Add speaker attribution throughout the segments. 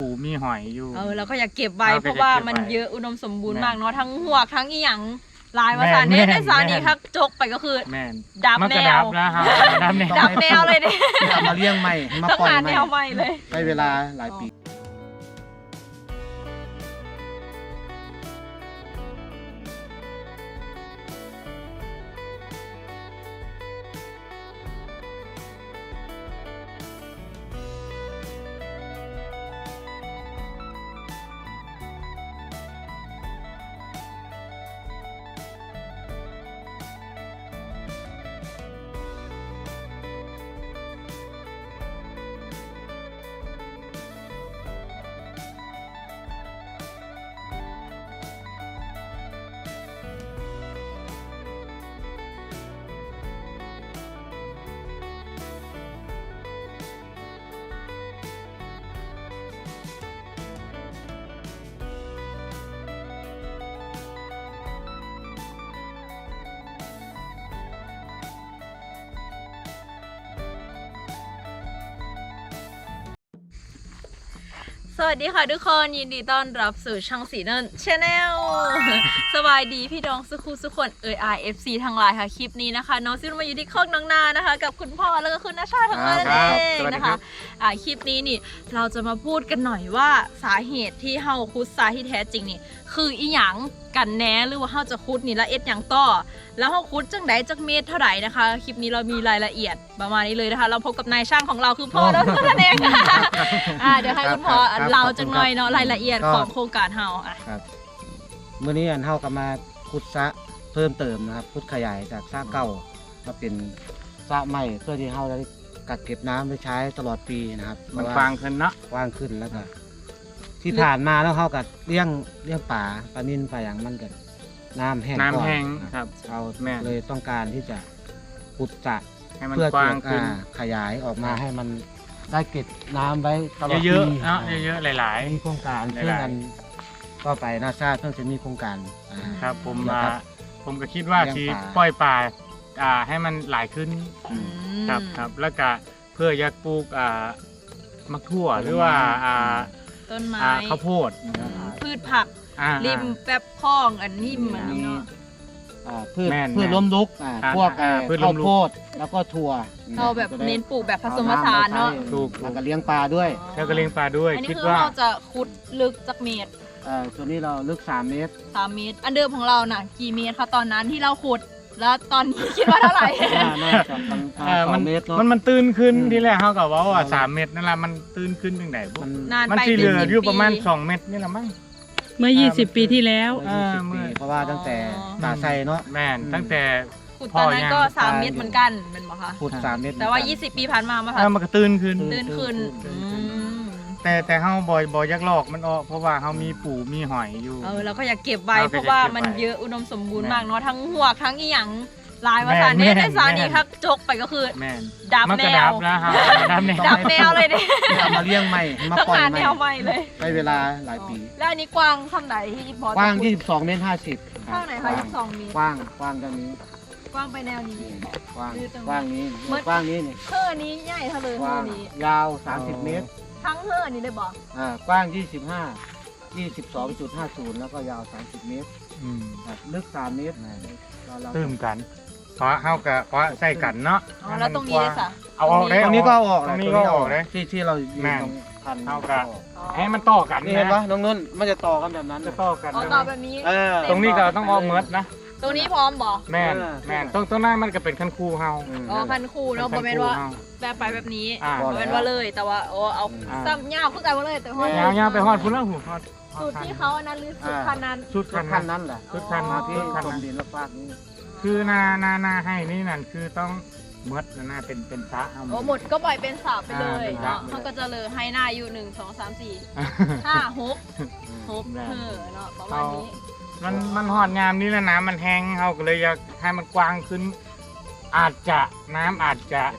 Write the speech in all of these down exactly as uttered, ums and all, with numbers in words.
Speaker 1: ปูมีหอยอยู่
Speaker 2: เออเราก็อยากเก็บไว้เพราะว่ามันเยอะอุดมสมบูรณ์มากเนาะทั้งหวกทั้งอีหยังลายภาษาเนสในสานีครับจกไปก็คือดับแนว
Speaker 1: ดับแนว
Speaker 2: ดับแนวเลยเนี่ย
Speaker 3: เอามาเลี้ยงใหม่มาปล่อยใหม่
Speaker 2: แนวใหม่เลย
Speaker 3: ใช้เวลาหลายปี
Speaker 2: สวัสดีค่ะทุกคนยินดีต้อนรับสู่ช่องสีเนินชาแนลสบายดีพี่น้องสุขุสุขคนเอไอเอฟซีทั้งหลายค่ะคลิปนี้นะคะน้องซิลมาอยู่ที่คอกน้องนานะคะกับคุณพ่อแล้วก็คุณน้าชาทั้งหลายนั่นเองนะคะอ่าคลิปนี้นี่เราจะมาพูดกันหน่อยว่าสาเหตุที่เฮาคุดทรายที่แท้จริงนี่คืออีหยังกันแน่หรือว่าเฮาจะคุดนี่ละเอ็ดอย่างต่อแล้วเฮาคุดจังใดจักเมตรเท่าไหร่นะคะคลิปนี้เรามีรายละเอียดประมาณนี้เลยนะคะเราพบกับนายช่างของเราคือพ่อแล้วนั่นเองอ่าเดี๋ยวให้คุณพ่อเราจังหน่อยเนาะรายละเอียดของโครงการเฮาอ่ะ
Speaker 3: ครับเมื่อนี้อันเฮาก็มาขุดสระเพิ่มเติมนะครับขุดขยายจากสระเก่ามาเป็นสระใหม่เพื่อที่เฮาจะกักเก็บน้ำไว้ใช้ตลอดปีนะครับ
Speaker 1: มันกว้างขึ้นเนาะ
Speaker 3: กว้างขึ้นแล้วก็ที่ผ่านมาแล้วเขาก็เลี้ยงเลี้ยงป่าปลานิลปลาอย่างมันก็น้ำแห้ง
Speaker 1: น้ำแห้งครับ
Speaker 3: เราเลยต้องการที่จะขุดสระ
Speaker 1: เพื่อจะ
Speaker 3: ขยายออกมาให้มันได้เก็บน้ำไว้ตลอดปี
Speaker 1: เยอะๆเนาะเยอะๆหลาย
Speaker 3: ๆมีโครงการเพื่อกันก็ไปนาซาเพิ่งจะมีโครงการ
Speaker 1: ครับผมมาผมก็คิดว่าที่ปล่อยป่าอ่าให้มันหลายขึ้นครับครับแล้วก็เพื่อยักปลูกอ่ามะทั่วหรือว่าอ่า
Speaker 2: ต้นไม้
Speaker 1: ข้าวโพด
Speaker 2: พืชผักริมแป๊บคลองอันนี้เหมือนเนาะ
Speaker 3: พืชพืชล้มลุกพวกข้าวโพดแล้วก็ถั่ว
Speaker 2: เราแบบเน้นปลูกแบบผสมผสานเนาะ
Speaker 3: ถูกแล้วก็เลี้ยงปลาด้วย
Speaker 1: แล้วก็เลี้ยงปลาด้วย
Speaker 2: อันนี้คือเราจะขุดลึกจากเมตร
Speaker 3: ตัวนี้เราลึกสามเมตร
Speaker 2: สามเมตรอันเดิมของเราน่ะกี่เมตรคะตอนนั้นที่เราขุดแล้วตอนนี้คิดว่าเท่าไหร่
Speaker 1: มันมันมันตื้นขึ้นที่แรกเขากับว่าว่าสามเมตรนั่นแหละมันตื้นขึ้นยังไงมันที่เหลืออยู่ประมาณสองเมตรนี่แหละมั้ง
Speaker 4: เมื่อยี่สิบปีที่แล้ว
Speaker 3: เพราะว่าตั้งแต่ตาไซเนาะ
Speaker 1: แม่ตั้งแต่
Speaker 2: ขุดตอนนั้นก็สามเมตรเหมือนกันเป็นบ่คะ
Speaker 3: ขุดสามเมตร
Speaker 2: แต่ว่ายี่สิบปีผ่านมามา
Speaker 1: ค่ะมันก็ตื้นขึ้น
Speaker 2: ตื้นขึ้น
Speaker 1: แต่แต่เขาบ่อยบ่อยยักลอกมันออกเพราะว่าเขามีปูมีหอยอยู่
Speaker 2: เออเราก็อยากเก็บไว้เพราะว่ามันเยอะอุดมสมบูรณ์มากเนาะทั้งหวกทั้งอีหยังลายภาษาเนสในสานีครับจกไปก็คือดับแนวดับแนวเลยเนี่ย
Speaker 3: เอามาเลี้ยงใหม่มาปล่อยใหม่
Speaker 2: แนวใหม่เลย
Speaker 3: ใช้เวลาหลายปี
Speaker 2: แล้วอันนี้กว้างเท่าไหร่ที่พอก
Speaker 3: ว้างยี่สิบสองเมตรห้าสิบ
Speaker 2: กว้างไหนคะยี่สิบสองเมตร
Speaker 3: กว้างกว้างตรงนี้
Speaker 2: กว้างไปแนวนี้
Speaker 3: กว้างกว้างนี้กว้างนี้นี่
Speaker 2: เท่านี้ใหญ่เท่าเลยเท่านี้
Speaker 3: ยาวสามสิบเมตร
Speaker 2: ทั้งเท่านี้เลยบอก
Speaker 3: อ่ากว้างยี่สิบห้า ยี่สิบสองจุดห้าศูนย์แล้วก็ยาวสามสิบเมตรอืมลึกสามเมตร
Speaker 1: ตื้มกันเพราะเข้ากับเพราะใส่กันเนาะ
Speaker 2: แล้วตรงนี้เลยค่ะ
Speaker 1: เอาออกได้
Speaker 3: ตรงนี้ก็ออก
Speaker 1: ตรงนี้ก็ออกได้
Speaker 3: ที่ที่เราอยู่ตรงพัน
Speaker 1: เข้ากับให้มันต่อกัน
Speaker 3: นี่เห็นปะน้องนุ่นมันจะต่อกันแบบนั้น
Speaker 1: จะต่อกัน
Speaker 2: ต่อแบบนี้
Speaker 1: ตรงนี้ก็ต้องออกเมิร์ดนะ
Speaker 2: ตรงนี้พร้อมบอก
Speaker 1: แม่นแม่นตรงตรงนั้นมันก็เป็นคันคูเฮา
Speaker 2: อ๋อคันคูเนาะประมาณว่าแบบไปแบบนี้ประมาณว่าเลยแต่ว่าโอ้เอาซ้ำยาวขึ้นไปว่าเลยแต่
Speaker 1: ว่ายาวยาวไปฮอดพุ่นแล้วหูฮอด
Speaker 2: สูตรที่เขาอันนั้นหรือสูตรคันนั้น
Speaker 3: สูตรคันนั้นแหละ
Speaker 1: สูตรคันนั้น
Speaker 3: ที่คันดินและฟากนี้
Speaker 1: คือนานานาให้นี่นั่นคือต้องมดนาเป็นเป็นพระเอา
Speaker 2: โอ้หมดก็ปล่อยเป็นสาบไปเลยเนาะเขาก็จะเลยให้หน้าอยู่หนึ่งสองสามสี่ห้าหกหกเออเนาะประมาณนี้
Speaker 1: มันมันหอดงามนี่แล้วน้ำมันแห้งเขาก็เลยอยากให้มันกว้างขึ้นอาจจะน้ำอาจจะ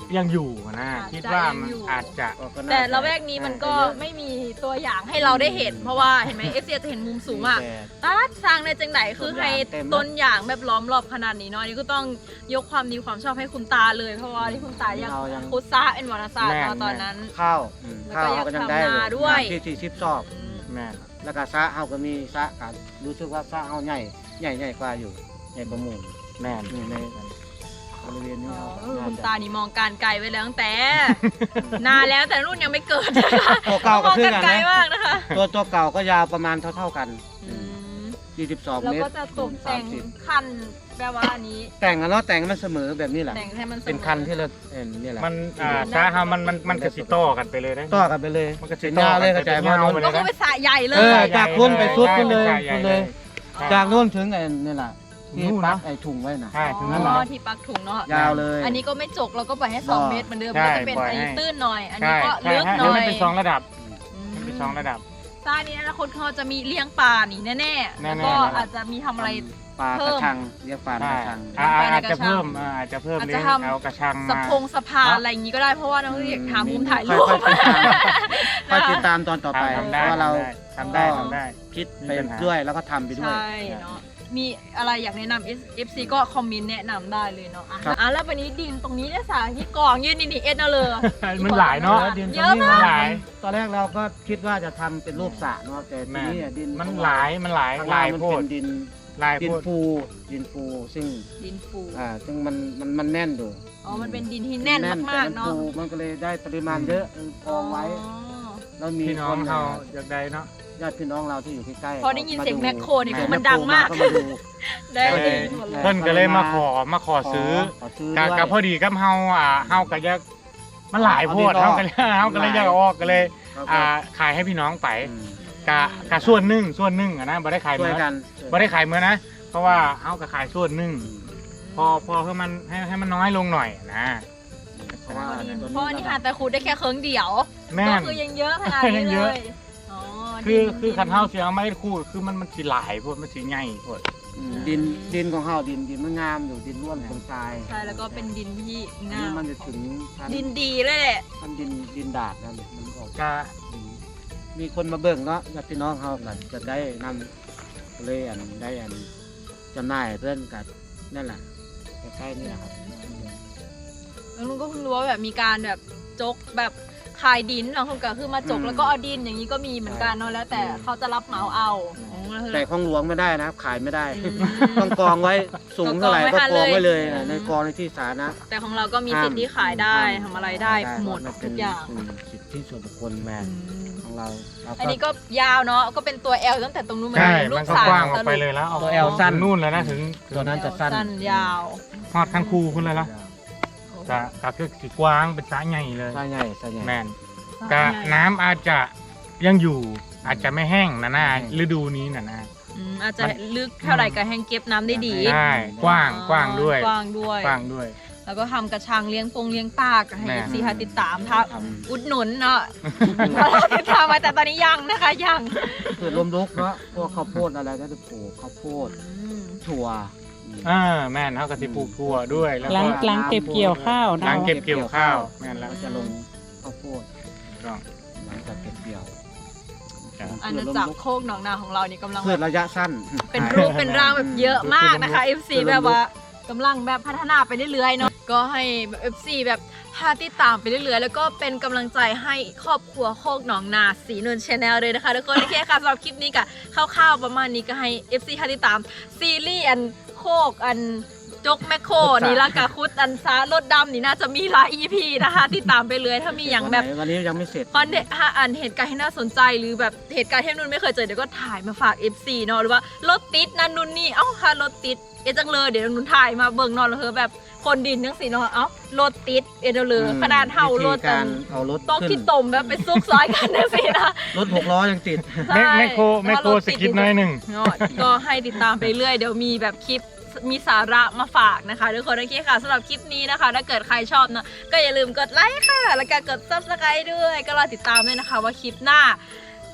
Speaker 1: ยังอยู่นะ
Speaker 2: อาจจะ
Speaker 1: คิดว่ามัน
Speaker 2: ยังอยู่
Speaker 1: อาจจะ
Speaker 3: ก็น่า
Speaker 2: แต่
Speaker 3: จ
Speaker 2: ละแวกนี้มันก็ไม่มีตัวอย่างให้เราได้เห็น เพราะว่าเห็นไหมเอฟซีจะเห็นมุมสูงอ่ะ
Speaker 3: แต่
Speaker 2: ตัดสร้างในจังไหนคือให้
Speaker 3: ต้
Speaker 2: ต้น
Speaker 3: น
Speaker 2: อย่าง แบบล้อมรอบขนาดนี้เนาะอันนี่ก็ต้องยกความดีความชอบให้คุณตาเลย เพราะว่าที่คุณตายัง
Speaker 3: เรายัง
Speaker 2: คุดซาเอ็นวรรณศาสตร์เนาะตอนนั้น
Speaker 3: ข้าวอืม
Speaker 2: แล้ว
Speaker 3: ข้า
Speaker 2: ก็
Speaker 3: ว
Speaker 2: อยาก
Speaker 3: ก็ยังได้
Speaker 2: ทำนาด้วย
Speaker 3: ที่ที่ชิบซอก
Speaker 1: แม่น
Speaker 3: แล้วก็ซะเฮาก็มีซะกันรู้สึกว่าซะเฮาใหญ่ใหญ่ใหญ่กว่าอยู่ใหญ่กว่าหมู่
Speaker 1: แม่น
Speaker 3: อยู่ในบริเวณนี้
Speaker 2: อ๋อ
Speaker 3: เฮา
Speaker 2: เออ
Speaker 3: น่
Speaker 2: คุณ
Speaker 3: จะ
Speaker 2: ตานี่มองการไกลไว้แล้วตั้งแต่ นานแล้วแต่รุ่นยังไม่เกิดนะคะ
Speaker 3: ตัวเก่าม ก็
Speaker 2: อง
Speaker 3: คือ
Speaker 2: กัน
Speaker 3: กัน
Speaker 2: ไกล
Speaker 3: นะ
Speaker 2: มากนะคะ
Speaker 3: ตัวตัวเก่าก็ยาวประมาณเท่าๆกัน
Speaker 2: อืม
Speaker 3: ยี่สิบสอง
Speaker 2: แล้ว
Speaker 3: เมตร
Speaker 2: ก็จะตกแต่ง
Speaker 3: สามสิบ
Speaker 2: คันแปลว่าอันนี้
Speaker 3: แต่งกันเนาะแต่งให้มันเสมอแบบนี้แหละ
Speaker 2: แต่งให้มันสมอ
Speaker 3: เป็นคันที่เราเอ็นนี่แหละ
Speaker 1: มันอ่าซาฮามันมันมันกระสิโต้กันไปเลยนะ
Speaker 3: ต่อกันไปเลย
Speaker 1: มันก็สิ
Speaker 3: เป็น
Speaker 1: ต่อย
Speaker 3: าวเลย
Speaker 1: กั
Speaker 3: เข้าน ใจ
Speaker 1: เป็น
Speaker 3: ว่าย
Speaker 1: าว
Speaker 3: โน้น
Speaker 1: ไป
Speaker 2: ก็คือเป็นสระใหญ่เล
Speaker 3: เอย อจากพุ่นไปสุดพุ่นเลย
Speaker 1: ใช่
Speaker 3: พุ่นเลย
Speaker 1: ใช่
Speaker 3: จากโน้นถึงไอ้นี่แหละที่
Speaker 1: นู่นนะ
Speaker 3: ปักไอ้ถุงไว้น่ะ
Speaker 1: ใช่ถึง
Speaker 2: อ๋
Speaker 1: นั้นแหละ
Speaker 2: อที่ปักถุงเนาะ
Speaker 3: ยาวเลย
Speaker 2: อันนี้ก็ไม่จกเราก็ปล่อยให้สอง
Speaker 3: อ๋อ
Speaker 2: เมตรเหมือนเดิม
Speaker 1: ใช่
Speaker 2: ก็จะเป็น
Speaker 1: ปล่อย
Speaker 2: อัน
Speaker 1: ให้
Speaker 2: นี้ตื้นหน่อย อัน
Speaker 1: ใช่
Speaker 2: นี้ก็
Speaker 1: ใช่
Speaker 2: ลึก
Speaker 1: ให้
Speaker 2: หน่อย
Speaker 1: มันเป็นสองระดับ
Speaker 2: อืม
Speaker 1: มันเป็นสองระดับ
Speaker 2: ซ่านี้อนาคตเขาจะมีเลี้ยงปลานี่แน่ๆ
Speaker 1: แน่ๆ
Speaker 2: แล้วก็
Speaker 1: แน่ๆ
Speaker 2: อาจจะมีทำอะไร
Speaker 3: ปลาก
Speaker 2: เพิ่
Speaker 3: ระ
Speaker 2: ม
Speaker 3: ชังเรียกปลาก
Speaker 1: ใช่
Speaker 3: ระชัง
Speaker 1: อ่า
Speaker 2: ไปใน
Speaker 1: อาจ
Speaker 2: ก
Speaker 1: จะ
Speaker 2: ระชัง
Speaker 1: เพิ่มอ่าอาจจะเพิ่ม
Speaker 2: อาจ
Speaker 1: เลี้
Speaker 2: จะ
Speaker 1: ยง
Speaker 2: ทำ
Speaker 1: เอากระชัง
Speaker 2: สะ
Speaker 1: มา
Speaker 2: พงสะพานอะไรอย่างนี้ก็ได้เพราะว่าน้องอยากหามุมถ่ายรูป
Speaker 3: ค่อยๆติดตามตอนต่อไป
Speaker 1: ทำ
Speaker 3: เพ
Speaker 1: ได้
Speaker 3: ราะว่าเรา
Speaker 1: ทำได้ทำได้
Speaker 3: คิดไป
Speaker 1: มีปัญหา
Speaker 3: ด้วยแล้วก็ทำไปด้วย
Speaker 2: ใช่เนาะมีอะไรอยากแนะนำ เอฟ ซี ก็คอมเมนต์แนะนำได้เลยเนาะอ่ะ
Speaker 3: ครับ
Speaker 2: อ่ะแล้ววันนี้ดินตรงนี้เนี่ยสาที่กองยืนนี่นี่เอ็ดเอาเลย
Speaker 1: มันหลายเนาะ
Speaker 3: ดินต
Speaker 2: เย
Speaker 3: รง
Speaker 2: อะ
Speaker 3: นี้
Speaker 2: มาก
Speaker 1: หลาย
Speaker 3: ตอนแรกเราก็คิดว่าจะทำเป็นรูปสระเนาะแต่ที
Speaker 1: แม่
Speaker 3: นี้อ่ะดิน
Speaker 1: มันหลายมันหลาย
Speaker 3: ข้าง
Speaker 1: ห
Speaker 3: ล่า
Speaker 1: ลาง ย
Speaker 3: มัน
Speaker 1: โพ
Speaker 3: เป็
Speaker 1: ด
Speaker 3: นดิน
Speaker 1: หลาย
Speaker 3: ดิ
Speaker 1: โพ
Speaker 3: น
Speaker 1: ด
Speaker 3: ฟูดินฟูซึ่ง
Speaker 2: ดินฟู
Speaker 3: อ่าซึ่งมันมันมันแน่นอยู่
Speaker 2: อ๋อมันเป็นดินที่แน่นมากๆ
Speaker 3: แต่
Speaker 2: เนาะ
Speaker 3: ฟูมันก็เลยได้ปริมาณเยอะเออกองไว้
Speaker 2: อ๋อ
Speaker 3: แล้วมี
Speaker 1: พี่น้อ
Speaker 3: ค
Speaker 1: ง
Speaker 3: น
Speaker 1: เขาอยากได้เนาะ
Speaker 3: ญาติพี่น้องเราที่อยู่ใกล้ๆ
Speaker 2: พอได้ยินเสียง
Speaker 3: า
Speaker 2: แมคโครนี่คือมัน
Speaker 3: แคโคร
Speaker 2: ดังมาก
Speaker 3: ก็มาดู
Speaker 2: ได้
Speaker 1: ก็เลย
Speaker 2: หมดเลย
Speaker 1: เพิ่นก็เลยมาขอมาขอซื้อ
Speaker 3: ขอซื้อ
Speaker 1: กั
Speaker 3: ด้วย
Speaker 1: กับพอดีกับเฮาอ่าเฮาก็อยากมันหลายโพด
Speaker 3: เอา
Speaker 1: เฮา
Speaker 3: ดี
Speaker 1: ก็
Speaker 3: เนาะ
Speaker 1: เลยเฮาก็เลยอยากเอาออกก็เลย
Speaker 3: ครับ
Speaker 1: อ่าขายให้พี่น้องไป
Speaker 3: อืม
Speaker 1: กะกะส่วนหนึ่งส่วนหนึ่งอะนะบ่ได้ขาย
Speaker 3: ช่
Speaker 1: เมื่
Speaker 3: วย
Speaker 1: อ
Speaker 3: กัน
Speaker 1: บ่ได้ขายเมื่อนะ เพราะว่าเฮาก็ขายส่วนหนึ่งพอพอให้มันให้ให้มันน้อยลงหน่อยนะ
Speaker 3: เพราะว่า
Speaker 2: เพราะอันนี้หาแต่ขูดได้แค่เครื่องเดียว
Speaker 1: แม่
Speaker 2: ก็
Speaker 1: น
Speaker 2: คือยังเยอะขนาดนี้
Speaker 1: ยังเย
Speaker 2: เล
Speaker 1: อะ
Speaker 2: ยอ๋อ
Speaker 1: คือ
Speaker 2: ดิ
Speaker 1: คือคันเฮาสิเอาไม้คู่คือมันมันสิหลายโพดมันสิใหญ่โพด
Speaker 3: อืมดินดินของเฮาดินดินมันงามอยู่ดินร่วนตรงทราย
Speaker 2: ใช่แล้วก็เป็นดินที่
Speaker 3: อัน
Speaker 2: งา
Speaker 3: นี้
Speaker 2: ม
Speaker 3: มันจะถึงชั้น
Speaker 2: ดินดีเลยแหละ
Speaker 3: ชั้นดินดินดาดนั่นเนี่ยมันออก
Speaker 1: กะ
Speaker 3: ดินมีคนมาเบิ่งเนาะญาติพี่น้องเฮาก็จะได้นำเลยอันได้อันจำหน่ายเพื่อนกันนั่นแหละใกล้ๆนี่แหละครับ
Speaker 2: แล้วลุงก็เพิ่งรู้ว่าแบบมีการแบบจกแบบขายดินบางคนก็คือมาจก
Speaker 3: อืม
Speaker 2: แล้วก็เอาดินอย่างนี้ก็มีเหมือนกันเนาะแล้วแต่
Speaker 3: อืม
Speaker 2: เขาจะรับเหมาเอาอ๋อแล้วคือ
Speaker 3: แต่ของหลวงไม่ได้นะครับขายไม่ได้
Speaker 2: อืม
Speaker 3: ต้องกองไว้สูงเท่าไหร่
Speaker 2: ก็
Speaker 3: ก็
Speaker 2: ก
Speaker 3: ก
Speaker 2: อ
Speaker 3: องง
Speaker 2: ไว้
Speaker 3: ไว้เลย
Speaker 2: อืม
Speaker 3: ในกองในที่สาธารณะ
Speaker 2: แต่ของเราก็มีสิทธิ์ที่ขายได้ทำอะไรได้หมด
Speaker 3: นเป็
Speaker 2: ทุ
Speaker 3: น
Speaker 2: กอย่าง
Speaker 3: อืมสิทธิส่วนบุคคลแม่
Speaker 2: อืม
Speaker 3: ของเราเรา
Speaker 2: อันนี้ก็ยาวเนาะก็เป็นตัว L ตั้งแต่ตรงนู้นมา
Speaker 1: ใช่
Speaker 2: ลู
Speaker 1: มัน
Speaker 2: ก
Speaker 1: ก็
Speaker 2: สาว
Speaker 1: กว้างออกไปเลยแล้วเอา
Speaker 3: ตัวแอลสั้น
Speaker 1: ถึงนู่นแล้วนะถึงถึง
Speaker 3: ตัวนั้นจะสั้น
Speaker 2: สั้นยาว
Speaker 1: ฮอดคันคูคุณเลยละกะกะคือสิกว้างเป็นสระใหญ่เลย
Speaker 3: ใช่ใหญ่ใช่ใหญ่
Speaker 1: แม่นกะน้ำอาจจะยังอยู่อาจจะไม่แห้งนะนะ
Speaker 3: อืม
Speaker 1: ฤดูนี้นะนะ
Speaker 2: อืมอาจจะลึกเท่าไหร่ก็แห้งเก็บน้ำได้ดี
Speaker 1: ใช่กว้างกว้างด้วย
Speaker 2: กว้างด้วย
Speaker 1: กว้างด้วย
Speaker 2: แล้วก็ทำกระชังเลี้ยงปงเลี้ยงปลาก็ให้
Speaker 1: แม่
Speaker 2: ซีค่ะติดตามทัก
Speaker 3: ทำ
Speaker 2: อุดหนุนเนาะ ติดตามมาแต่ตอนนี้ยังนะคะยัง
Speaker 3: เกิดลมลุกเนาะพวกข้าวโพดอะไรก็จะปลูกข้าวโพด
Speaker 2: อืม
Speaker 3: ถั่วอืม
Speaker 1: อ่าแม่นเขากะสิปลูกถั่วด้วยแล้ว
Speaker 4: หลั
Speaker 1: ก็
Speaker 4: งหลังเก็บเกี่ยวข้าว
Speaker 1: หลั
Speaker 4: นะ
Speaker 1: งเก็บเกี่ยวข้าวแม่นแล้ว
Speaker 3: ก็จะลงข้าวโพด
Speaker 1: ก็
Speaker 3: หลังจากเก็บเกี่ยว
Speaker 2: อาณาจักรโคกหนองนาของเรานี่กำลัง
Speaker 3: พืชระยะสั้น
Speaker 2: เป็นรูปเป็นร่างแบบเยอะมากนะคะ เอฟ ซี แบบว่ากำลังแบบพัฒนาไปเรื่อยๆเนาะก็ให้ เอฟ ซี แบบพาติดตามไปเรื่อยๆแล้วก็เป็นกำลังใจให้ครอบครัวโคกหนองนาสีนวลชาแนลเลยนะคะทุกคนโอเคค่ะสำหรับคลิปนี้ก็คร่าวๆประมาณนี้ก็ให้ เอฟ ซี พาติดตามซีรีส์อันโคกอันจกแมคโครนี่ละกะคุดอันซารถดำนี่น่าจะมีหลาย อี พี นะคะติดตามไปเลยถ้ามีอย่างแบบ
Speaker 3: วันไหนวันนี้ยังไม่เสร็จ
Speaker 2: คอนเทนต์อันเหตุการณ์ที่น่าสนใจหรือแบบเหตุการณ์ที่นุ่นไม่เคยเจอเดี๋ยวก็ถ่ายมาฝาก เอฟ ซี เนาะหรือว่ารถติดนั่นนุ่นนี่เอ้าค่ะรถติดเอจังเลยเดี๋ยวนุ่นถ่ายมาเบิ่งเนอนแล้วเธอแบบคนดินทั้งสี่เนาะเอ้ารถติดเอเดเลยขนาดเท่ารถ
Speaker 3: วิธีการเอารถ
Speaker 2: ต้อง
Speaker 3: ขึ้น
Speaker 2: ที่ตมแบบไปซุกซอยกันทั้งสี่นะ
Speaker 3: รถหกล้อยังติด
Speaker 1: แม่แม่โคแม่โคสกิปหน้อยหนึ่ง
Speaker 2: เนาะก็ให้ติดตามไปเรื่อยเดี๋ยวมีแบบคลิปมีสาระมาฝากนะคะทุกคนโอเคค่ะสำหรับคลิปนี้นะคะถ้าเกิดใครชอบเนาะก็อย่าลืมกดไลค์ค่ะแล้วก็กด ซับสไครบ์ ด้วยก็รอติดตามด้วยนะคะว่าคลิปหน้า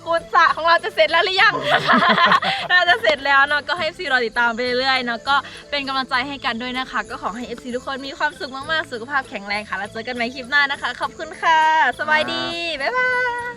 Speaker 2: ขุดสระของเราจะเสร็จแล้วหรือยัง น่าจะเสร็จแล้วเนาะก็ให้ เอฟ ซี รอติดตามไปเรื่อยๆเนาะก็เป็นกำลังใจให้กันด้วยนะคะก็ขอให้ เอฟ ซี ทุกคนมีความสุขมากๆสุขภาพแข็งแรงค่ะแล้วเจอกันใหม่คลิปหน้านะคะขอบคุณค่ะสบายดีบ๊ายบาย